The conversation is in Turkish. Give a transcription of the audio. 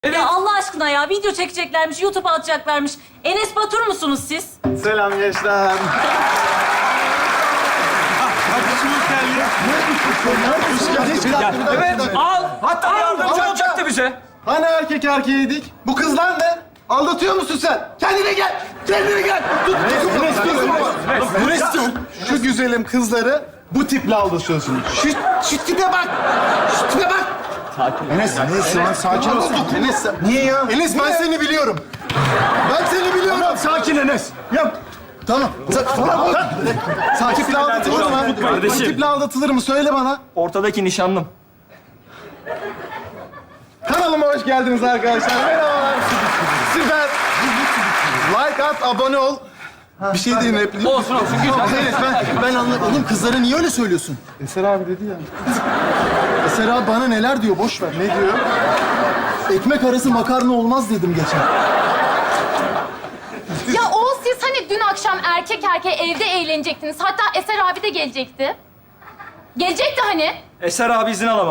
Evet. Ya Allah aşkına ya video çekeceklermiş, YouTube'a atacaklarmış. Enes Batur musunuz siz? Selam gençler. Evet, al. Hatta yardımcı olacaktı bize. Hani erkek erkeğiydik? Bu kızlar ne? Aldatıyor musun sen? Kendine gel. Kendine gel. Tut. Ne istiyorsun? Şu güzelim kızları bu tiple aldatıyorsun. Şu tipe bak. Şu tipe bak. Enes şu an sakin ol. Enes niye ya? Enes ben seni biliyorum. Ben seni biliyorum. Tamam, sakin Enes. Yap. Tamam. Sakin tiple aldatılır mı? Kardeşim. Bu tiple aldatılır mı? Söyle bana. Ortadaki nişanlım. Kanalıma hoş geldiniz arkadaşlar. Merhabalar. Süper. Like at, abone ol. Bir şey deyin repliği. Olsun. Evet, ben anladım. Oğlum kızlara niye öyle söylüyorsun? Eser abi dedi ya. Eser abi bana neler diyor, boş ver. Ne diyor? Ekmek arası makarna olmaz dedim geçen. Ya Oğuz, siz hani dün akşam erkek erkeğe evde eğlenecektiniz. Hatta Eser abi de gelecekti. Gelecekti hani. Eser abi izin alamam.